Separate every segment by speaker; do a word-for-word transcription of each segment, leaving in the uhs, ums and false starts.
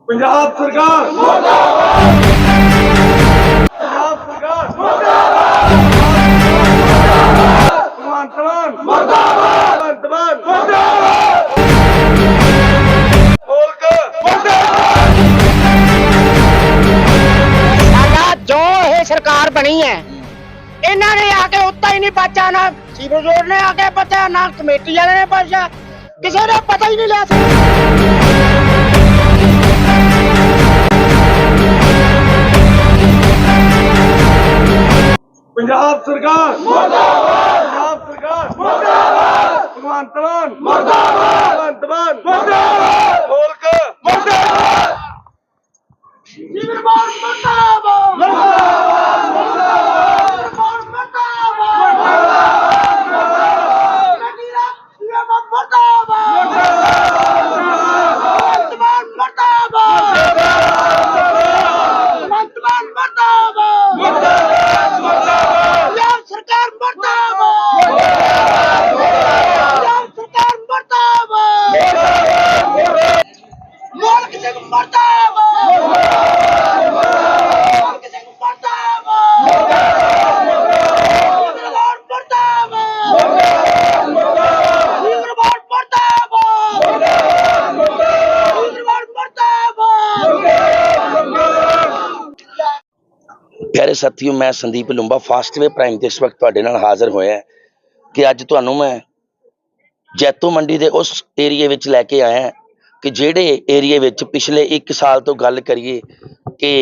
Speaker 1: पंजाब सरकार मुर्दाबाद, पंजाब सरकार मुर्दाबाद, भगवंत मान मुर्दाबाद, भगवंत मान मुर्दाबाद, मुल्क मुर्दाबाद।
Speaker 2: साडा जो ये सरकार बनी है इन्होंने आके उत्ता ही नहीं बचा, ना सीवर रोड ने आके बचा, ना कमेटी वाले ने बचा, किसी ने पता ही नहीं लिया।
Speaker 1: पंजाब सरकार मुर्दाबाद, पंजाब सरकार मुर्दाबाद, भगवंत मान मुर्दाबाद, भगवंत मान मुर्दाबाद, मुल्क मुर्दाबाद।
Speaker 2: सीवरबाद मुर्दाबाद,
Speaker 1: मुर्दाबाद, मुर्दाबाद,
Speaker 2: सीवरबाद मुर्दाबाद,
Speaker 1: मुर्दाबाद,
Speaker 2: कटीला सीवरबाद मुर्दाबाद, वर्तमान मुर्दाबाद, वर्तमान मुर्दाबाद, पंजाब सरकार मुर्दाबाद, पंजाब सरकार मुर्दाबाद, मुल्क सिंह मुर्दाबाद, मुल्क सिंह मुर्दाबाद, सीवरबाद मुर्दाबाद, सीवरबाद मुर्दाबाद, सीवरबाद मुर्दाबाद।
Speaker 3: प्यारे साथियों, मैं संदीप लुंबा फास्टवे प्राइम ਤੇ ਇਸ ਵਕਤ ਤੁਹਾਡੇ ਨਾਲ ਹਾਜ਼ਰ ਹੋਇਆ ਕਿ ਅੱਜ ਤੁਹਾਨੂੰ ਮੈਂ ਜੈਤੋ ਮੰਡੀ ਦੇ ਉਸ ਏਰੀਏ ਵਿੱਚ ਲੈ ਕੇ ਆਇਆ ਕਿ ਜਿਹੜੇ ਏਰੀਏ ਵਿੱਚ ਪਿਛਲੇ ਇੱਕ ਸਾਲ ਤੋਂ ਗੱਲ ਕਰੀਏ ਕਿ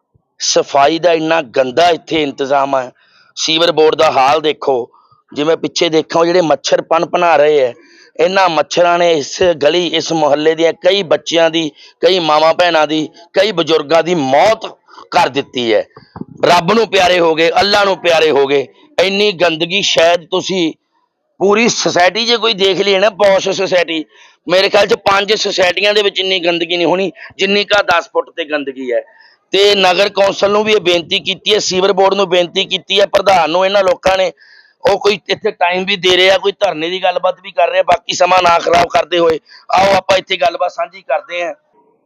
Speaker 3: ਸਫਾਈ ਦਾ ਇੰਨਾ ਗੰਦਾ ਇੱਥੇ ਇੰਤਜ਼ਾਮ ਹੈ। ਸੀਵਰ ਬੋਰਡ ਦਾ ਹਾਲ ਦੇਖੋ, ਜਿਵੇਂ ਪਿੱਛੇ ਦੇਖੋ ਜਿਹੜੇ ਮੱਛਰ ਪਨਪਨਾ ਰਹੇ ਹੈ, ਇਹਨਾਂ ਮੱਛਰਾਂ ਨੇ ਇਸ ਗਲੀ ਇਸ ਮੁਹੱਲੇ ਦੀਆਂ ਕਈ ਬੱਚਿਆਂ ਦੀ, ਕਈ ਮਾਵਾਂ ਭੈਣਾਂ ਦੀ, ਕਈ ਬਜ਼ੁਰਗਾਂ ਦੀ ਮੌਤ ਕਰ ਦਿੱਤੀ ਹੈ। ਰੱਬ ਨੂੰ ਪਿਆਰੇ ਹੋ ਗਏ, ਅੱਲਾ ਨੂੰ ਪਿਆਰੇ ਹੋ ਗਏ। ਇੰਨੀ ਗੰਦਗੀ ਸ਼ਾਇਦ ਤੁਸੀਂ ਪੂਰੀ ਸੁਸਾਇਟੀ ਜੇ ਕੋਈ ਦੇਖ ਲਈ ਨਾ, ਪੌਸ਼ ਸੁਸਾਇਟੀ, ਮੇਰੇ ਖਿਆਲ ਚ ਪੰਜ ਸੁਸਾਇਟੀਆਂ ਦੇ ਵਿੱਚ ਇੰਨੀ ਗੰਦਗੀ ਨਹੀਂ ਹੋਣੀ ਜਿੰਨੀ ਕਾ ਦਸ ਫੁੱਟ ਤੇ ਗੰਦਗੀ ਹੈ। ਤੇ ਨਗਰ ਕੌਂਸਲ ਨੂੰ ਵੀ ਇਹ ਬੇਨਤੀ ਕੀਤੀ ਹੈ, ਸੀਵਰ ਬੋਰਡ ਨੂੰ ਬੇਨਤੀ ਕੀਤੀ ਹੈ, ਪ੍ਰਧਾਨ ਨੂੰ ਇਹਨਾਂ ਲੋਕਾਂ ਨੇ, ਉਹ ਕੋਈ ਇੱਥੇ ਟਾਈਮ ਵੀ ਦੇ ਰਿਹਾ, ਕੋਈ ਧਰਨੇ ਦੀ ਗੱਲਬਾਤ ਵੀ ਕਰ ਰਿਹਾ। ਬਾਕੀ ਸਮਾਂ ਨਾ ਖਰਾਬ ਕਰਦੇ ਹੋਏ ਆਓ ਆਪਾਂ ਇੱਥੇ ਗੱਲਬਾਤ ਸਾਂਝੀ ਕਰਦੇ ਹਾਂ।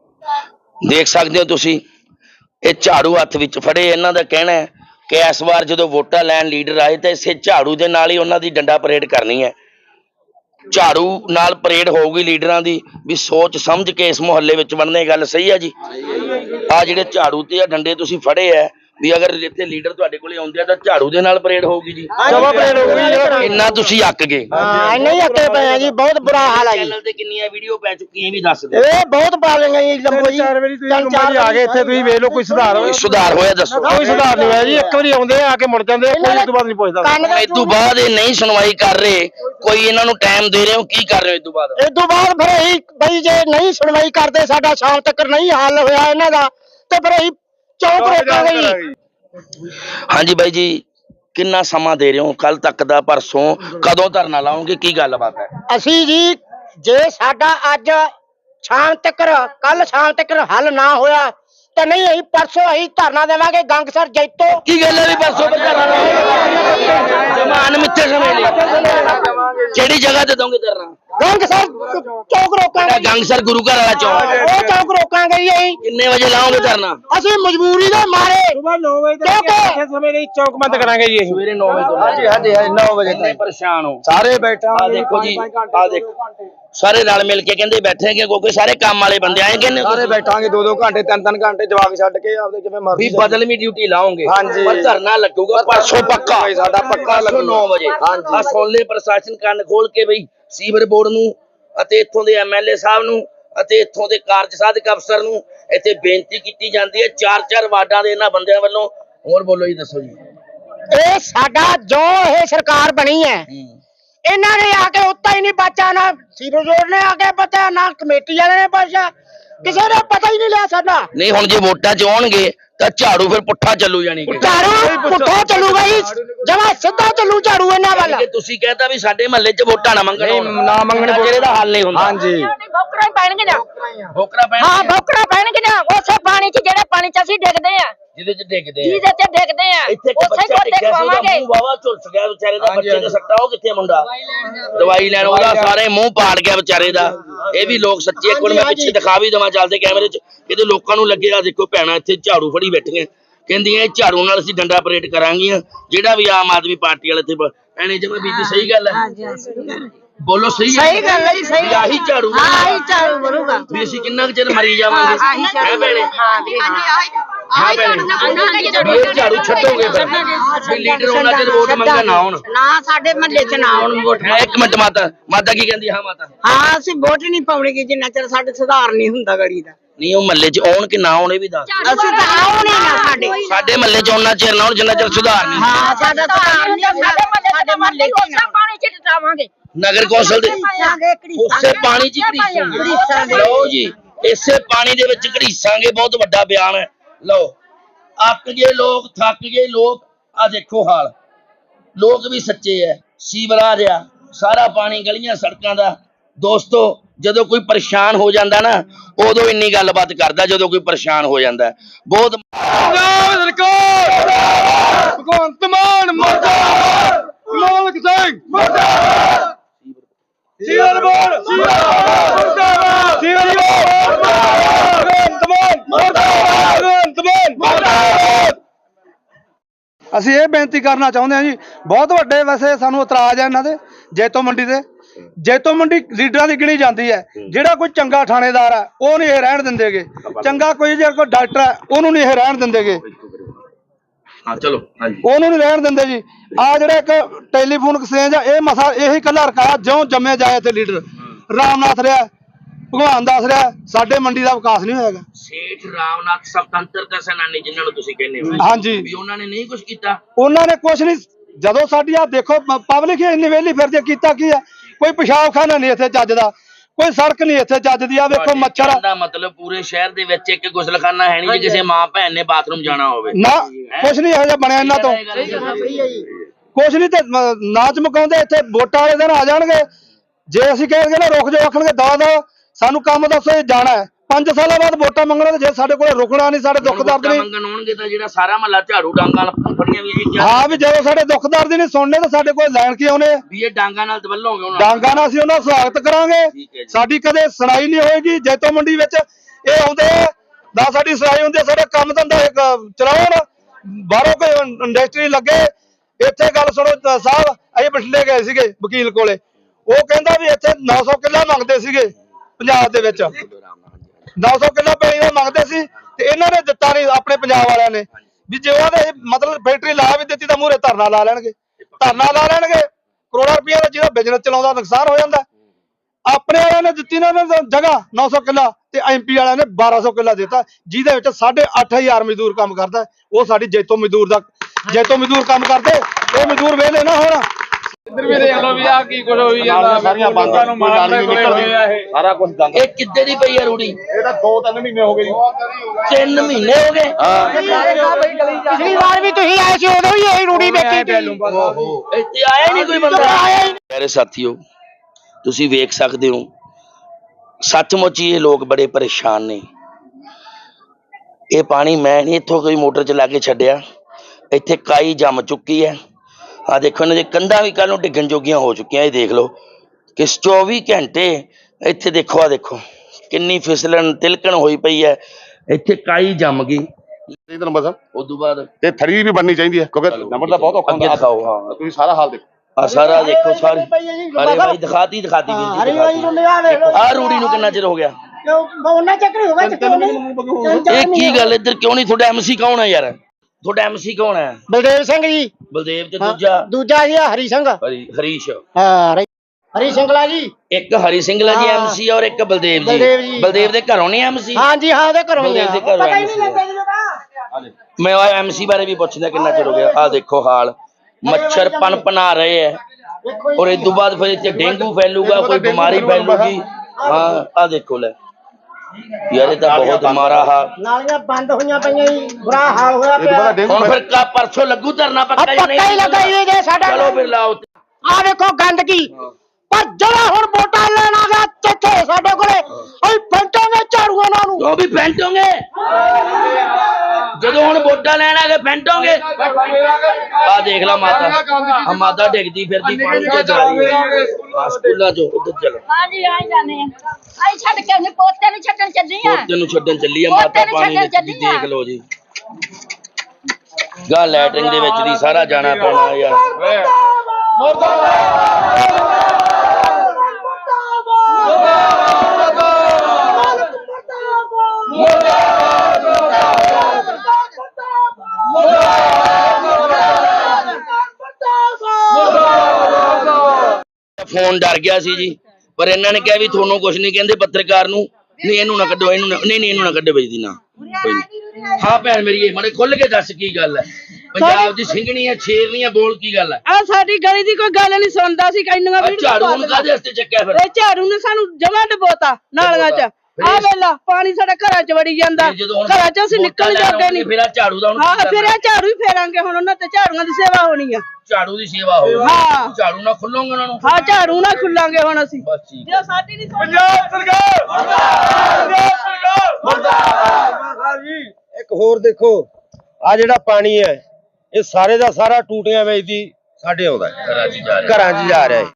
Speaker 3: ਦੇਖ ਸਕਦੇ ਹੋ ਤੁਸੀਂ, ਇਹ ਝਾੜੂ ਹੱਥ ਵਿੱਚ ਫੜੇ। ਇਹਨਾਂ ਦਾ ਕਹਿਣਾ ਹੈ ਕਿ ਇਸ ਵਾਰ ਜਦੋਂ ਵੋਟਾਂ ਲੈਣ ਲੀਡਰ ਆਏ ਤਾਂ ਇਸੇ ਝਾੜੂ ਦੇ ਨਾਲ ਹੀ ਉਹਨਾਂ ਦੀ ਡੰਡਾ ਪਰੇਡ ਕਰਨੀ ਹੈ। ਝਾੜੂ ਨਾਲ ਪਰੇਡ ਹੋਊਗੀ ਲੀਡਰਾਂ ਦੀ। ਵੀ ਸੋਚ ਸਮਝ ਕੇ ਇਸ ਮੁਹੱਲੇ ਵਿੱਚ ਵੜਨੇ, ਗੱਲ ਸਹੀ ਹੈ ਜੀ। ਆ ਜਿਹੜੇ ਝਾੜੂ ਤੇ ਆ ਡੰਡੇ ਤੁਸੀਂ ਫੜੇ ਹੈ, ਵੀ ਅਗਰ ਇੱਥੇ ਲੀਡਰ ਤੁਹਾਡੇ ਕੋਲੇ ਆਉਂਦੇ ਆ ਤਾਂ ਝਾੜੂ ਦੇ ਨਾਲ ਪਰੇਡ ਹੋਊਗੀ ਜੀ।
Speaker 2: ਜਮਾ ਪਰੇਡ ਹੋਊਗੀ।
Speaker 3: ਇੰਨਾ ਤੁਸੀਂ ਅੱਕ ਗਏ।
Speaker 2: ਹਾਂ ਨਹੀਂ ਅੱਕੇ ਪਏ ਆ ਜੀ, ਬਹੁਤ ਬੁਰਾ ਹਾਲ ਹੈ ਜੀ।
Speaker 3: ਚੈਨਲ ਤੇ ਕਿੰਨੀਆਂ ਵੀਡੀਓ ਪੈ ਚੁੱਕੀਆਂ ਵੀ ਦੱਸ ਦਿਓ।
Speaker 2: ਇਹ ਬਹੁਤ ਪਾ ਲਈਆਂ ਜੀ ਲੰਬੋ ਜੀ।
Speaker 4: ਚਾਰ ਵਾਰੀ ਤੁਸੀਂ ਲੰਬਾ ਜੀ ਆ ਗਏ ਇੱਥੇ, ਤੁਸੀਂ ਵੇਖ ਲਓ ਕੋਈ ਸੁਧਾਰ
Speaker 3: ਕੋਈ
Speaker 4: ਹੋਇਆ?
Speaker 3: ਸੁਧਾਰ ਹੋਇਆ ਦੱਸੋ।
Speaker 4: ਕੋਈ ਸੁਧਾਰ ਨਹੀਂ ਹੋਇਆ ਜੀ। ਇੱਕ ਵਾਰੀ ਆਉਂਦੇ ਆ ਕੇ ਮੁੜ ਜਾਂਦੇ ਆ, ਕੋਈ ਇਸ ਤੋਂ ਬਾਅਦ ਨਹੀਂ ਪੁੱਛਦਾ।
Speaker 3: ਇਸ ਤੋਂ ਬਾਅਦ ਇਹ ਨਹੀਂ ਸੁਣਵਾਈ ਕਰ ਰਹੇ, ਕੋਈ ਇਹਨਾਂ ਨੂੰ ਟਾਈਮ ਦੇ ਰਹੇ ਹੋ, ਕੀ ਕਰ ਰਹੇ ਹੋ ਇਸ ਤੋਂ ਬਾਅਦ?
Speaker 2: ਇਸ ਤੋਂ ਬਾਅਦ ਫਿਰ ਅਸੀਂ ਬਈ ਜੇ ਨਹੀਂ ਸੁਣਵਾਈ ਕਰਦੇ, ਸਾਡਾ ਸ਼ਾਮ ਤੱਕ ਨਹੀਂ ਹੱਲ ਹੋਇਆ ਇਹਨਾਂ ਦਾ, ਤੇ ਫਿਰ ਅਸੀਂ ਚੌਂਕ ਰੋਕਾਂਗੇ ਜੀ।
Speaker 3: ਹਾਂਜੀ ਬਾਈ ਜੀ, ਕਿੰਨਾ ਸਮਾਂ ਦੇ ਰਹੇ ਹੋ? ਕੱਲ ਤੱਕ ਦਾ, ਪਰਸੋਂ, ਕਦੋਂ ਧਰਨਾ ਲਾਓਗੇ, ਕੀ ਗੱਲਬਾਤ ਹੈ?
Speaker 2: ਅਸੀਂ ਜੀ ਜੇ ਸਾਡਾ ਅੱਜ ਸ਼ਾਮ ਤੱਕ, ਕੱਲ ਸ਼ਾਮ ਤੱਕ ਹੱਲ ਨਾ ਹੋਇਆ ਤੇ ਨਹੀਂ ਅਸੀਂ ਪਰਸੋਂ ਅਸੀਂ ਧਰਨਾ ਦੇਵਾਂਗੇ ਗੰਗਸਰ ਜੈਤੋ।
Speaker 3: ਕੀ ਗੱਲ ਹੈ ਵੀ ਪਰਸੋਂ ਤੋਂ ਧਰਨਾ ਲਾਓਗੇ? ਜਮਾਨ ਮਿੱਥੇ ਸਮੇਂ ਲਈ ਕਿਹੜੀ ਜਗ੍ਹਾ ਤੇ ਦੋਗੇ ਧਰਨਾ?
Speaker 2: ਗੰਗਸਰ ਚੌਂਕ ਰੋਕਾਂਗੇ।
Speaker 3: ਗੰਗਸਰ ਗੁਰੂ ਘਰ ਵਾਲਾ ਚੌਂਕ,
Speaker 2: ਉਹ ਚੌਂਕ ਰੋਕਾਂਗੇ ਜੀ ਅਸੀਂ।
Speaker 3: ਕਿੰਨੇ ਵਜੇ ਲਾਓਗੇ ਧਰਨਾ?
Speaker 2: ਅਸੀਂ ਮਜਬੂਰੀ ਦੇ ਮਾਰੇ
Speaker 4: ਸੁਬਾਹ ਨੌ ਵਜੇ ਤੱਕ
Speaker 2: ਕਿਉਂਕਿ
Speaker 4: ਇਸ ਸਮੇਂ ਲਈ ਚੌਕ ਬੰਦ ਕਰਾਂਗੇ ਜੀ ਅਸੀਂ।
Speaker 3: ਸਵੇਰੇ ਨੌ ਵਜੇ ਤੋਂ
Speaker 4: ਹਾਂਜੀ ਹਾਂਜੀ ਨੌ ਵਜੇ
Speaker 3: ਇੰਨੇ
Speaker 4: ਤੱਕ
Speaker 3: ਪਰੇਸ਼ਾਨ ਹੋ
Speaker 4: ਸਾਰੇ ਬੈਠਾ।
Speaker 3: ਆ ਦੇਖੋ ਜੀ, ਆ ਦੇਖੋ ਸਾਰੇ ਰਲ ਮਿਲ ਕੇ ਕਹਿੰਦੇ ਬੈਠੇਗੇ, ਕਿਉਂਕਿ ਸਾਰੇ ਕੰਮ ਵਾਲੇ ਬੰਦੇ ਆਏ ਕਹਿੰਦੇ
Speaker 4: ਸਾਰੇ ਬੈਠਾਂਗੇ ਦੋ ਦੋ ਘੰਟੇ ਤਿੰਨ ਤਿੰਨ ਘੰਟੇ ਜਵਾਕ ਛੱਡ ਕੇ ਆਪਦੇ ਜਿਵੇਂ
Speaker 3: ਵੀ
Speaker 4: ਮਰਜ਼ੀ।
Speaker 3: ਬਦਲਵੀਂ ਡਿਊਟੀ ਲਾਓਗੇ।
Speaker 4: ਹਾਂਜੀ।
Speaker 3: ਪਰ ਧਰਨਾ ਲੱਗੂਗਾ ਪਰਸੋਂ ਪੱਕਾ,
Speaker 4: ਸਾਡਾ ਪੱਕਾ
Speaker 3: ਲੱਗੂ ਨੌ ਵਜੇ।
Speaker 4: ਹਾਂਜੀ।
Speaker 3: ਆ ਸੁਣ ਲੈ ਪ੍ਰਸ਼ਾਸਨ ਕੰਨ ਖੋਲ ਕੇ ਬਈ, ਸੀਵਰ ਬੋਰਡ ਨੂੰ ਅਤੇ ਇੱਥੋਂ ਦੇ ਐਮਐਲਏ ਸਾਹਿਬ ਨੂੰ ਅਤੇ ਇੱਥੋਂ ਦੇ ਕਾਰਜ ਸਾਧਕ ਅਫਸਰ ਨੂੰ ਇੱਥੇ ਬੇਨਤੀ ਕੀਤੀ ਜਾਂਦੀ ਹੈ, ਚਾਰ ਚਾਰ ਵਾਰਡਾਂ ਦੇ ਇਹਨਾਂ ਬੰਦਿਆਂ ਵੱਲੋਂ। ਹੋਰ ਬੋਲੋ ਜੀ, ਦੱਸੋ ਜੀ।
Speaker 2: ਇਹ ਸਾਡਾ ਜੋ ਇਹ ਸਰਕਾਰ ਬਣੀ ਹੈ ਇਹਨਾਂ ਨੇ ਆ ਕੇ ਉੱਤਾ ਹੀ ਨਹੀਂ ਬਚਾ, ਨਾ ਸੀਵਰ ਰੋਡ ਨੇ ਆ ਕੇ ਬਚਾ, ਨਾ ਕਮੇਟੀ ਵਾਲੇ ਨੇ ਬਚਾ, ਕਿਸੇ ਨੇ ਪਤਾ ਹੀ ਨਹੀਂ ਲਿਆ ਸਾਡਾ।
Speaker 3: ਨਹੀਂ ਹੁਣ ਜੇ ਵੋਟਾਂ ਚ ਆਉਣਗੇ ਤਾਂ ਝਾੜੂ ਫਿਰ ਪੁੱਠਾ ਚੱਲੂ, ਜਾਣੀ ਕਿ
Speaker 2: ਝਾੜੂ ਪੁੱਠਾ ਚੱਲੂਗਾ ਜੀ, ਜਮਾ ਸਿੱਧਾ ਚੱਲੂ ਝਾੜੂ ਇਹਨਾਂ ਵੱਲ।
Speaker 3: ਕਿ ਤੁਸੀਂ ਕਹਿੰਦਾ ਵੀ ਸਾਡੇ ਮਹੱਲੇ ਚ ਵੋਟਾਂ ਨਾ ਮੰਗਣ,
Speaker 4: ਨਹੀਂ, ਨਾ ਮੰਗਣ,
Speaker 3: ਜਿਹੜੇ ਦਾ ਹੱਲ ਨਹੀਂ ਹੁੰਦਾ।
Speaker 4: ਹਾਂਜੀ
Speaker 2: ਬੋਕਰਾਂ ਹੀ ਪੈਣਗੇ ਨਾ,
Speaker 3: ਬੋਕਰਾ ਪੈਣ
Speaker 2: ਹਾਂ ਬੋਕਰਾਂ ਪੈਣਗੇ ਨਾ ਉਸੇ ਪਾਣੀ 'ਚ ਜਿਹੜੇ ਪਾਣੀ 'ਚ ਅਸੀਂ ਡਿੱਗਦੇ ਆ।
Speaker 3: ਜਿਹਦੇ ਚ ਡਿੱਗਦੇ ਆ
Speaker 5: ਜਿਹਦੇ ਤੇ ਡਿੱਗਦੇ ਆ
Speaker 3: ਇੱਥੇ ਇੱਕ
Speaker 5: ਉੱਥੇ
Speaker 3: ਬੱਚਾ
Speaker 5: ਕੋਤੇ
Speaker 3: ਡਿੱਗਿਆ ਸੀ, ਉਹਦਾ
Speaker 5: ਖਵਾਵਾਂਗੇ
Speaker 3: ਮੂੰਹ ਵਾਵਾ ਝੁਲਸ ਗਿਆ ਵਿਚਾਰੇ ਦਾ, ਬੱਚੇ ਦਾ ਸੱਟਾ। ਉਹ ਕਿੱਥੇ ਮੁੰਡਾ ਦਵਾਈ ਲੈਣ, ਉਹਦਾ ਸਾਰੇ ਮੂੰਹ ਪਾੜ ਗਿਆ ਵਿਚਾਰੇ ਦਾ। ਇਹ ਵੀ ਲੋਕ ਸੱਚੇ, ਇੱਕ ਵਾਰ ਮੈਂ ਪਿੱਛੇ ਦਿਖਾ ਵੀ ਦੇਵਾਂ ਚੱਲਦੇ ਕੈਮਰੇ ਚ, ਇਹਦੇ ਲੋਕਾਂ ਨੂੰ ਲੱਗੇਗਾ ਦੇਖੋ ਭੈਣਾਂ ਇੱਥੇ ਝਾੜੂ ਫੜੀ ਬੈਠੀਆਂ, ਕਹਿੰਦੀਆਂ ਇਹ ਝਾੜੂ ਨਾਲ ਅਸੀਂ ਡੰਡਾ ਪਰੇਡ ਕਰਾਂਗੀਆਂ। ਜਿਹੜਾ ਵੀ ਆਮ ਆਦਮੀ ਪਾਰਟੀ ਵਾਲੇ ਇੱਥੇ ਐਨੇ ਜਿਵੇਂ ਬੀਬੀ ਸਹੀ ਗੱਲ ਹੈ, ਬੋਲੋ ਸਹੀ
Speaker 5: ਸਹੀ ਗੱਲ ਹੈ ਜੀ, ਸਹੀ ਗੱਲ।
Speaker 3: ਆਹੀ ਝਾੜੂ
Speaker 5: ਹਾਂ ਆਹੀ ਝਾੜੂ ਬਣੂਗਾ
Speaker 3: ਵੀ ਅਸੀਂ ਕਿੰਨਾ ਕੁ ਚਿਰ ਮਰੀ ਜਾਵਾਂਗੇ।
Speaker 5: ਆਹੀ
Speaker 3: ਹੈ
Speaker 5: ਝਾੜੂ
Speaker 3: ਭੈਣੇ,
Speaker 5: ਹਾਂ ਜੀ ਹਾਂ
Speaker 3: ਹਾਂ ਭੈਣੇ, ਇਹ ਝਾੜੂ ਛੱਡੋਗੇ ਫਿਰ ਵੀ ਲੀਡਰ ਉਹਨਾਂ ਚਿਰ ਵੋਟ ਮੰਗਣ ਨਾ ਆਉਣ।
Speaker 5: ਨਾ ਸਾਡੇ ਮਹੱਲੇ ਚ ਨਾ ਆਉਣ ਵੋਟ।
Speaker 3: ਹੈ ਇੱਕ ਮਿੰਟ ਮਾਤਾ, ਮਾਤਾ ਕੀ ਕਹਿੰਦੀ? ਹਾਂ ਮਾਤਾ,
Speaker 5: ਹਾਂ ਅਸੀਂ ਵੋਟ ਨਹੀਂ ਪਾਉਣੀ ਜਿੰਨਾ ਚਿਰ ਸਾਡੇ ਸੁਧਾਰ ਨਹੀਂ ਹੁੰਦਾ ਗੜੀ ਦਾ।
Speaker 3: ਨਹੀਂ ਉਹ ਮਹੱਲੇ ਚ ਆਉਣ ਕਿ ਨਾ ਆਉਣ ਇਹ ਵੀ ਦੱਸ।
Speaker 5: ਅਸੀਂ ਤਾਂ ਆਉਣੇ ਨਾ ਸਾਡੇ
Speaker 3: ਸਾਡੇ ਮਹੱਲੇ ਚ ਉਹਨਾਂ ਚਿਰ ਨਾ ਆਉਣ ਜਿੰਨਾ ਚਿਰ ਸੁਧਾਰ ਨਹੀਂ।
Speaker 5: ਹਾਂ ਸਾਡਾ ਸੁਧਾਰ ਨਹੀਂ ਸਾਡੇ ਮਹੱਲੇ ਚ ਪਾਣੀ ਚ ਟਟਾਵਾਂਗੇ।
Speaker 3: ਨਗਰ ਕੌਂਸਲ ਦੇ ਉਸੇ ਪਾਣੀ ਚ ਘੜੀਸਾਂਗੇ। ਲਓ ਜੀ, ਇਸੇ ਪਾਣੀ ਦੇ ਵਿੱਚ ਘੜੀਸਾਂਗੇ। ਬਹੁਤ ਵੱਡਾ ਬਿਆਨ ਹੈ। ਲਓ, ਅੱਕ ਗਏ ਲੋਕ, ਥੱਕ ਗਏ ਲੋਕ। ਆ ਦੇਖੋ ਹਾਲ, ਲੋਕ ਵੀ ਸੱਚੇ ਹੈ। ਸੀਵਰਾਜ ਆ, ਸਾਰਾ ਪਾਣੀ ਗਲੀਆਂ ਸੜਕਾਂ ਦਾ। ਦੋਸਤੋ, ਜਦੋਂ ਕੋਈ ਪਰੇਸ਼ਾਨ ਹੋ ਜਾਂਦਾ ਨਾ, ਉਦੋਂ ਇੰਨੀ ਗੱਲਬਾਤ ਕਰਦਾ ਜਦੋਂ ਕੋਈ ਪਰੇਸ਼ਾਨ ਹੋ ਜਾਂਦਾ। ਬਹੁਤ
Speaker 1: ਸਰਕਾਰ ਭਗਵੰਤ ਮਾਨ ਮੁਰਦਾਬਾਦ, ਮਾਲਕ ਸਿੰਘ ਮੁਰਦਾਬਾਦ, ਸੀਵਰ ਬੋਰਡ ਮੁਰਦਾਬਾਦ, ਸੀਵਰ ਬੋਰਡ ਭਗਵੰਤ ਮਾਨ ਮੁਰਦਾਬਾਦ, ਭਗਵੰਤ ਮਾਨ ਮੁਰਦਾਬਾਦ। ਅਸੀਂ ਇਹ ਬੇਨਤੀ ਕਰਨਾ ਚਾਹੁੰਦੇ ਹਾਂ ਜੀ, ਬਹੁਤ ਵੱਡੇ ਵੈਸੇ ਸਾਨੂੰ ਇਤਰਾਜ਼ ਹੈ ਇਹਨਾਂ ਦੇ ਜੈਤੋ ਮੰਡੀ ਦੇ। ਜੈਤੋ ਮੰਡੀ ਲੀਡਰਾਂ ਦੀ ਗਿਣੀ ਜਾਂਦੀ ਹੈ। ਜਿਹੜਾ ਕੋਈ ਚੰਗਾ ਥਾਣੇਦਾਰ ਹੈ ਉਹ ਨਹੀਂ ਇਹ ਰਹਿਣ ਦਿੰਦੇਗੇ, ਚੰਗਾ ਕੋਈ ਜਿਹੜਾ ਕੋਈ ਡਾਕਟਰ ਹੈ ਉਹਨੂੰ ਨਹੀਂ ਇਹ ਰਹਿਣ ਦਿੰਦੇਗੇ,
Speaker 3: ਹਾਂ ਚਲੋ ਹਾਂਜੀ,
Speaker 1: ਉਹਨੂੰ ਨਹੀਂ ਰਹਿਣ ਦਿੰਦੇ ਜੀ। ਆ ਜਿਹੜਾ ਇੱਕ ਟੈਲੀਫੋਨ ਐਕਸਚੇਂਜ ਆ, ਇਹ ਮਸਾ ਇਹੀ ਕੱਲਾ ਰਕਾਇਆ ਜਿਉਂ ਜੰਮੇ ਜਾਏ ਤੇ ਲੀਡਰ ਰਾਮਨਾਥ ਰਿਹਾ, ਭਗਵਾਨ ਦਾਸ ਰਿਹਾ, ਸਾਡੇ ਮੰਡੀ ਦਾ ਵਿਕਾਸ ਨਹੀਂ ਹੋਏਗਾ।
Speaker 3: ਸੇਠ ਰਾਮਨਾਥ ਸੁਤੰਤਰਤਾ ਸੈਨਾਨੀ ਜਿਨ੍ਹਾਂ ਨੂੰ ਤੁਸੀਂ ਕਹਿੰਦੇ ਹੋ,
Speaker 1: ਹਾਂਜੀ,
Speaker 3: ਵੀ ਉਹਨਾਂ ਨੇ ਨਹੀਂ ਕੁਝ ਕੀਤਾ।
Speaker 1: ਉਹਨਾਂ ਨੇ ਕੁਛ ਨਹੀਂ। ਜਦੋਂ ਸਾਡੀ ਆ ਦੇਖੋ ਪਬਲਿਕ ਇੰਨੀ ਵਿਹਲੀ ਫਿਰਦੀ, ਕੀਤਾ ਕੀ ਆ? ਕੋਈ ਪਿਸ਼ਾਬ ਖਾਨਾ ਨਹੀਂ ਇੱਥੇ ਚੱਜ ਦਾ, ਕੋਈ ਸੜਕ ਨਹੀਂ ਇੱਥੇ ਚੱਜ ਦੀ। ਆ ਵੇਖੋ ਮੱਛਰ
Speaker 3: ਦਾ ਮਤਲਬ ਪੂਰੇ ਸ਼ਹਿਰ ਦੇ ਵਿੱਚ ਇੱਕ ਗੁਸਲਖਾਨਾ ਹੈ ਨਹੀਂ ਜੇ ਕਿਸੇ ਮਾਂ ਭੈਣ ਨੇ ਬਾਥਰੂਮ ਜਾਣਾ ਹੋਵੇ।
Speaker 1: ਨਾ ਕੁਛ ਨਹੀਂ ਇਹੋ ਜਿਹਾ ਬਣਿਆ ਇਹਨਾਂ ਤੋਂ, ਕੁਛ ਨਹੀਂ। ਤੇ ਨਾ ਚਮਕਾਉਂਦੇ ਇੱਥੇ ਵੋਟਾਂ ਵਾਲੇ ਦਿਨ ਆ ਜਾਣਗੇ। ਜੇ ਅਸੀਂ ਕਹਾਂਗੇ ਨਾ ਰੁਕ ਜਾਓ, ਆਖਣਗੇ ਦਾ ਦਾ ਸਾਨੂੰ ਕੰਮ ਦੱਸੋ, ਇਹ ਜਾਣਾ ਹੈ। ਪੰਜ ਸਾਲਾਂ ਬਾਅਦ ਵੋਟਾਂ ਮੰਗਣਾ, ਤੇ ਜੇ ਸਾਡੇ ਕੋਲ ਰੁਕਣਾ ਨਹੀਂ, ਸਾਡੇ ਦੁੱਖ ਦਰਦ ਨਹੀਂ
Speaker 3: ਮੰਗਣ ਆਉਣਗੇ ਤਾਂ ਜਿਹੜਾ ਸਾਰਾ ਮਹੱਲਾ ਝਾੜੂ ਡਾਂਗਾ ਨਾਲ ਫੜੀਆਂ ਵੀ
Speaker 1: ਹਾਂ ਵੀ ਜਦੋਂ ਸਾਡੇ ਦੁੱਖ ਦਰਦ ਨਹੀਂ ਸੁਣਨੇ ਤਾਂ ਸਾਡੇ ਕੋਲ ਲੈਣ ਕੀ ਆਉਣੇ?
Speaker 3: ਵੀ ਇਹ ਡਾਂਗਾ ਨਾਲ ਦਵਲੋਗੇ ਉਹਨਾਂ
Speaker 1: ਡਾਂਗਾ ਨਾਲ ਅਸੀਂ ਉਹਨਾਂ ਦਾ ਸਵਾਗਤ ਕਰਾਂਗੇ। ਸਾਡੀ ਕਦੇ ਸੁਣਾਈ ਨਹੀਂ ਹੋਏਗੀ। ਜੈਤੋ ਮੰਡੀ ਵਿੱਚ ਇਹ ਆਉਂਦੇ ਨਾ ਸਾਡੀ ਸੁਣਾਈ ਹੁੰਦੀ, ਸਾਡੇ ਕੰਮ ਧੰਦਾ ਚਲਾਉਣ, ਬਾਹਰੋਂ ਕੋਈ ਇੰਡਸਟਰੀ ਲੱਗੇ। ਇੱਥੇ ਗੱਲ ਸੁਣੋ ਸਾਹਿਬ, ਅਸੀਂ ਬਠਿੰਡੇ ਗਏ ਸੀਗੇ ਵਕੀਲ ਕੋਲੇ, ਉਹ ਕਹਿੰਦਾ ਵੀ ਇੱਥੇ ਨੌ ਸੌ ਕਿੱਲਾ ਮੰਗਦੇ ਸੀਗੇ ਪੰਜਾਬ ਦੇ ਵਿੱਚ, ਨੌ ਸੌ ਕਿੱਲਾ ਪੈਲੀ ਦਾ ਮੰਗਦੇ ਸੀ, ਤੇ ਇਹਨਾਂ ਨੇ ਦਿੱਤਾ ਨਹੀਂ ਆਪਣੇ ਪੰਜਾਬ ਵਾਲਿਆਂ ਨੇ। ਵੀ ਜੇ ਉਹਦੇ ਮਤਲਬ ਫੈਕਟਰੀ ਲਾ ਵੀ ਦਿੱਤੀ ਤਾਂ ਮੂਹਰੇ ਧਰਨਾ ਲਾ ਲੈਣਗੇ, ਧਰਨਾ ਲਾ ਲੈਣਗੇ। ਕਰੋੜਾਂ ਰੁਪਈਆ ਦਾ ਜਿਹੜਾ ਬਿਜ਼ਨਸ ਚਲਾਉਂਦਾ ਨੁਕਸਾਨ ਹੋ ਜਾਂਦਾ। ਆਪਣੇ ਵਾਲਿਆਂ ਨੇ ਦਿੱਤੀ ਨਾ ਜਗ੍ਹਾ ਨੌ ਸੌ ਕਿੱਲਾ, ਤੇ ਐਮਪੀ ਵਾਲਿਆਂ ਨੇ ਬਾਰਾਂ ਸੌ ਕਿੱਲਾ ਦਿੱਤਾ, ਜਿਹਦੇ ਵਿੱਚ ਸਾਢੇ ਅੱਠ ਹਜ਼ਾਰ ਮਜ਼ਦੂਰ ਕੰਮ ਕਰਦਾ। ਉਹ ਸਾਡੀ ਜੈਤੋ ਮਜ਼ਦੂਰ ਦਾ ਜੈਤੋ ਮਜ਼ਦੂਰ ਕੰਮ ਕਰਦੇ, ਉਹ ਮਜ਼ਦੂਰ ਵਿਹਲੇ ਨਾ ਹੋਣ।
Speaker 6: ਇੱਧਰ ਵੀ ਦੇਖ ਲਓ ਵੀ ਆ ਕੀ ਕੁਝ ਹੋਈ ਜਾਂਦਾ, ਸਾਰੀਆਂ ਬੰਦਾਂ ਨੂੰ ਮਾਰਦੇ ਹੋਏ ਆ ਇਹ ਸਾਰਾ ਕੁਝ ਦੰਗ।
Speaker 3: ਇਹ ਕਿੱਦੇ ਦੀ ਪਈ ਆ ਰੂੜੀ?
Speaker 6: ਇਹ ਤਾਂ ਦੋ ਤਿੰਨ ਮਹੀਨੇ ਹੋ ਗਏ ਜੀ।
Speaker 3: ਤਿੰਨ ਮਹੀਨੇ ਹੋ ਗਏ।
Speaker 2: ਪਿਛਲੀ ਵਾਰ ਵੀ ਤੁਸੀਂ ਆਏ ਸੀ, ਉਦੋਂ ਵੀ ਇਹ ਰੂੜੀ ਵੇਚੀ ਸੀ।
Speaker 3: ਓਹੋ, ਇੱਥੇ ਆਇਆ ਨਹੀਂ ਕੋਈ ਬੰਦਾ। ਮੇਰੇ ਸਾਥੀਓ, ਤੁਸੀਂ ਵੇਖ ਸਕਦੇ ਹੋ, ਸੱਚਮੁੱਚ ਹੀ ਇਹ ਲੋਕ ਬੜੇ ਪਰੇਸ਼ਾਨ ਨੇ। ਇਹ ਪਾਣੀ ਮੈਂ ਨਹੀਂ ਇੱਥੋਂ ਕੋਈ ਮੋਟਰ ਚਲਾ ਕੇ ਛੱਡਿਆ, ਇੱਥੇ ਕਾਈ ਜੰਮ ਚੁੱਕੀ ਹੈ। ਆ ਦੇਖੋ, ਇਹਨਾਂ ਦੇ ਕੰਧਾਂ ਵੀ ਕੱਲ ਨੂੰ ਡਿੱਗਣ ਜੋਗੀਆਂ ਹੋ ਚੁੱਕੀਆਂ। ਇਹ ਦੇਖ ਲਓ ਕਿ ਚੌਵੀ ਘੰਟੇ ਇੱਥੇ ਦੇਖੋ, ਆ ਦੇਖੋ ਕਿੰਨੀ ਫਿਸਲਣ ਤਿਲਕਣ ਹੋਈ ਪਈ ਹੈ। ਇੱਥੇ ਕਾਈ ਜੰਮ ਗਈ।
Speaker 6: ਨੰਬਰ ਸਾਹਿਬ,
Speaker 3: ਉਸ ਤੋਂ ਬਾਅਦ
Speaker 6: ਤੇ ਥਰੀ ਵੀ ਬਣਨੀ ਚਾਹੀਦੀ ਹੈ, ਕਿਉਂਕਿ ਨੰਬਰ ਦਾ ਬਹੁਤ ਔਖਾ
Speaker 3: ਅੱਗੇ
Speaker 6: ਹੁੰਦਾ।
Speaker 3: ਦਿਖਾਓ। ਹਾਂ,
Speaker 6: ਤੁਸੀਂ ਸਾਰਾ ਹਾਲ ਦੇਖੋ,
Speaker 3: ਆ ਸਾਰਾ ਦੇਖੋ ਸਾਰੀ। ਅਰੇ ਭਾਈ ਦਿਖਾਤੀ ਦਿਖਾਤੀ ਆ ਰੂੜੀ ਨੂੰ ਕਿੰਨਾ ਚਿਰ ਹੋ ਗਿਆ?
Speaker 2: ਉਹਨਾਂ ਚੱਕਰ ਹੋਵੇ ਚੱਕਰ
Speaker 3: ਇਹ ਕੀ ਗੱਲ? ਇੱਧਰ ਕਿਉਂ ਨਹੀਂ? ਤੁਹਾਡਾ ਐਮਸੀ ਕੌਣ ਹੈ ਯਾਰ? ਤੁਹਾਡਾ ਐਮਸੀ ਕੌਣ ਹੈ?
Speaker 2: ਬਲਦੇਵ ਸਿੰਘ ਜੀ।
Speaker 3: ਬਲਦੇਵ ਤੇ ਦੂਜਾ
Speaker 2: ਦੂਜਾ ਜੀ ਹਰੀ ਸਿੰਘ।
Speaker 3: ਹਰੀ ਹਰੀਸ਼।
Speaker 2: ਹਾਂ ਹਰੀ ਸਿੰਘਲਾ ਜੀ।
Speaker 3: ਇੱਕ ਹਰੀ ਸਿੰਘਲਾ ਜੀ ਐਮਸੀ ਔਰ ਇੱਕ ਬਲਦੇਵ ਜੀ। ਬਲਦੇਵ ਦੇ ਘਰੋਂ ਨਹੀਂ ਐਮਸੀ?
Speaker 2: ਹਾਂ ਜੀ, ਹਾਂ ਉਹਦੇ ਘਰੋਂ ਹੀ
Speaker 3: ਬਲਦੇਵ ਦੇ ਘਰੋਂ ਐਮਸੀ। ਮੈਂ ਆ ਐਮਸੀ ਬਾਰੇ ਵੀ ਪੁੱਛਦਾ ਕਿੰਨਾ ਚਿਰ ਹੋ ਗਿਆ। ਆ ਦੇਖੋ ਹਾਲ, ਮੱਛਰ ਪਨਪਨਾ ਰਹੇ ਹੈ। ਔਰ ਇਸ ਤੋਂ ਬਾਅਦ ਫਿਰ ਇੱਥੇ ਡੇਂਗੂ ਫੈਲੂਗਾ, ਕੋਈ ਬਿਮਾਰੀ ਫੈਲੂਗੀ। ਹਾਂ ਆ ਦੇਖੋ ਲੈ ਯਾਰ, ਇਹ ਤਾਂ ਬਹੁਤ ਮਾਰਾ ਹਾਲ।
Speaker 2: ਨਾਲੀਆਂ ਬੰਦ ਹੋਈਆਂ ਪਈਆਂ ਜੀ, ਬੁਰਾ ਹਾਲ ਹੋਇਆ ਪਿਆ।
Speaker 3: ਹੁਣ ਫਿਰ ਕਾ ਪਰਸੋਂ ਲੱਗੂ ਧਰਨਾ ਪੱਕਾ ਹੀ ਨਹੀਂ?
Speaker 2: ਪੱਕਾ ਹੀ ਲੱਗਾ ਜੀ ਜੇ ਸਾਡਾ।
Speaker 3: ਚਲੋ ਫਿਰ ਲਾਓ।
Speaker 2: ਆ ਵੇਖੋ ਗੰਦਗੀ, ਪਰ ਜਿਹੜਾ ਹੁਣ ਵੋਟਾਂ ਲੈਣ ਆ ਗਿਆ ਕਿੱਥੇ ਸਾਡੇ ਕੋਲੇ, ਅਸੀਂ ਫੈਂਟਾਂਗੇ ਝਾੜੂਆਂ ਨਾਲ ਨੂੰ।
Speaker 3: ਉਹ ਵੀ ਫੈਂਟੋਗੇ ਜਦੋਂ ਹੁਣ ਵੋਟਾਂ ਲੈਣ ਆ ਕੇ ਫੈਂਟੋਗੇ। ਆ ਦੇਖ ਲਾ ਮਾਤਾ, ਆ ਮਾਤਾ ਡਿੱਗਦੀ ਫਿਰਦੀ ਪਾਣੀ ਚ ਜਾ ਰਹੀ ਹੈ। ਆ ਸਕੂਲਾਂ ਚੋਂ ਉੱਧਰ ਚਲੋ।
Speaker 5: ਹਾਂਜੀ ਆਈ ਜਾਣੇ ਆ ਆਈ ਛੱਡ ਕੇ ਉਹਨੇ ਪੋਤੇ ਨੂੰ ਛੱਡਣ ਚੱਲੀ ਆ
Speaker 3: ਪੋਤੇ ਨੂੰ ਛੱਡਣ ਚੱਲੀ ਆ ਮਾਤਾ ਪਾਣੀ ਵਿੱਚ ਦੀ। ਦੇਖ ਲਓ ਜੀ, ਗਾ ਲੈਟਰਿੰਗ ਦੇ ਵਿੱਚ ਦੀ ਸਾਰਾ ਜਾਣਾ ਪੈਣਾ ਯਾਰ। ਫੋਨ ਡਰ ਗਿਆ ਸੀ ਜੀ, ਪਰ ਇਹਨਾਂ ਨੇ ਕਿਹਾ ਵੀ ਤੁਹਾਨੂੰ ਕੁਝ ਨਹੀਂ ਕਹਿੰਦੇ ਪੱਤਰਕਾਰ ਨੂੰ। ਨਹੀਂ ਇਹਨੂੰ ਨਾ ਕੱਢੋ, ਇਹਨੂੰ ਨਾ- ਨਹੀਂ ਨਹੀਂ ਇਹਨੂੰ ਨਾ ਕੱਢੋ ਬੇਇੱਜ਼ਤੀ ਨਾ। ਕੋਈ ਨਹੀਂ। ਹਾਂ ਭੈਣ ਮੇਰੀ, ਇਹ ਮਾੜੇ ਖੁੱਲ ਕੇ ਦੱਸ ਕੀ ਗੱਲ ਹੈ। ਪੰਜਾਬ ਦੀ ਸਿੰਘਣੀ ਹੈ, ਸ਼ੇਰਨੀ ਹੈ, ਬੋਲ ਕੀ ਗੱਲ ਹੈ।
Speaker 7: ਆ ਸਾਡੀ ਗਲੀ ਦੀ ਕੋਈ ਗੱਲ ਨਹੀਂ ਸੁਣਦਾ ਸੀ। ਕਿੰਨੀਆਂ
Speaker 3: ਆਹ ਝਾੜੂ ਹੁਣ ਕਾਹਦੇ ਵਾਸਤੇ ਚੱਕਿਆ ਫਿਰ?
Speaker 7: ਇਹ ਝਾੜੂ ਨੇ ਸਾਨੂੰ ਜਮਾ ਡਬੋਤਾ ਨਾਲੀਆਂ ਚ। ਆ ਵੇਲਾ ਪਾਣੀ ਸਾਡੇ ਘਰਾਂ ਚ ਵੜੀ ਜਾਂਦਾ,
Speaker 3: ਜਦੋਂ ਹੁਣ
Speaker 7: ਘਰਾਂ ਚ ਅਸੀਂ ਨਿਕਲ ਜਾਂਦੇ ਨਹੀਂ।
Speaker 3: ਫਿਰ ਆ ਝਾੜੂ ਦਾ ਹੁਣ
Speaker 7: ਹਾਂ ਫਿਰ ਇਹ ਝਾੜੂ ਹੀ ਫੇਰਾਂਗੇ ਹੁਣ, ਉਹਨਾਂ ਤੇ ਝਾੜੂਆਂ ਦੀ ਸੇਵਾ ਹੋਣੀ ਆ।
Speaker 3: ਝਾੜੂ ਦੀ ਸੇਵਾ ਹੋਵੇ।
Speaker 7: ਹਾਂ।
Speaker 3: ਝਾੜੂ ਨਾਲ ਖੁੱਲੋਗੇ ਉਹਨਾਂ ਨੂੰ।
Speaker 7: ਹਾਂ ਝਾੜੂ ਨਾਲ ਖੁੱਲਾਂਗੇ ਹੁਣ ਅਸੀਂ।
Speaker 3: ਬਸ ਠੀਕ
Speaker 7: ਜੋ ਸਾਡੀ ਨਹੀਂ
Speaker 1: ਪੰਜਾਬ ਸਰਕਾਰ ਪੰਜਾਬ ਸਰਕਾਰ ਮੁਰਦਾਬਾਦ ਜੀ।
Speaker 4: ਇੱਕ ਹੋਰ ਦੇਖੋ, ਆ ਜਿਹੜਾ ਪਾਣੀ ਹੈ ਇਹ ਸਾਰੇ ਦਾ ਸਾਰਾ ਟੂਟੀਆਂ ਵਿੱਚ ਦੀ ਸਾਡੇ ਆਉਂਦਾ ਹੈ,
Speaker 3: ਕਰਾਂ ਜੀ ਜਾ ਰਿਹਾ।
Speaker 4: ਘਰਾਂ 'ਚ ਜਾ ਰਿਹਾ ਹੈ।